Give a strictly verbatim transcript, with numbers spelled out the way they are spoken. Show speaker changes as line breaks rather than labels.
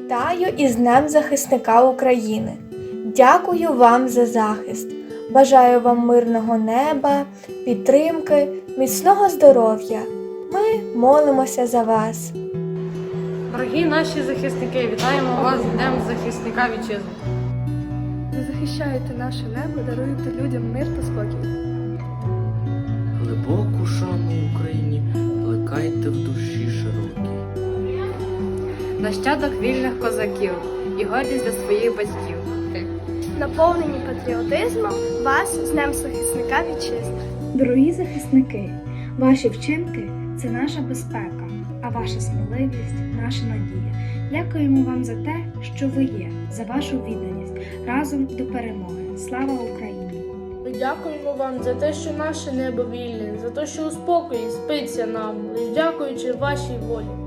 Вітаю із Днем захисника України. Дякую вам за захист. Бажаю вам мирного неба, підтримки, міцного здоров'я. Ми молимося за вас.
Дорогі наші захисники, вітаємо вас з Днем захисника вітчизни.
Ви захищаєте наше небо, даруєте людям мир та спокій.
Глибоку шану Україні плекайте в душі широкій.
Нащадок вільних козаків і гордість для своїх батьків.
Наповнені патріотизмом вас з Днем захисника вітчизни.
Дорогі захисники, ваші вчинки – це наша безпека, а ваша сміливість – наша надія. Дякуємо вам за те, що ви є, за вашу відданість. Разом до перемоги. Слава Україні!
Ми дякуємо вам за те, що наше небо вільне, за те, що у спокої спиться нам, лиш дякуючи вашій волі.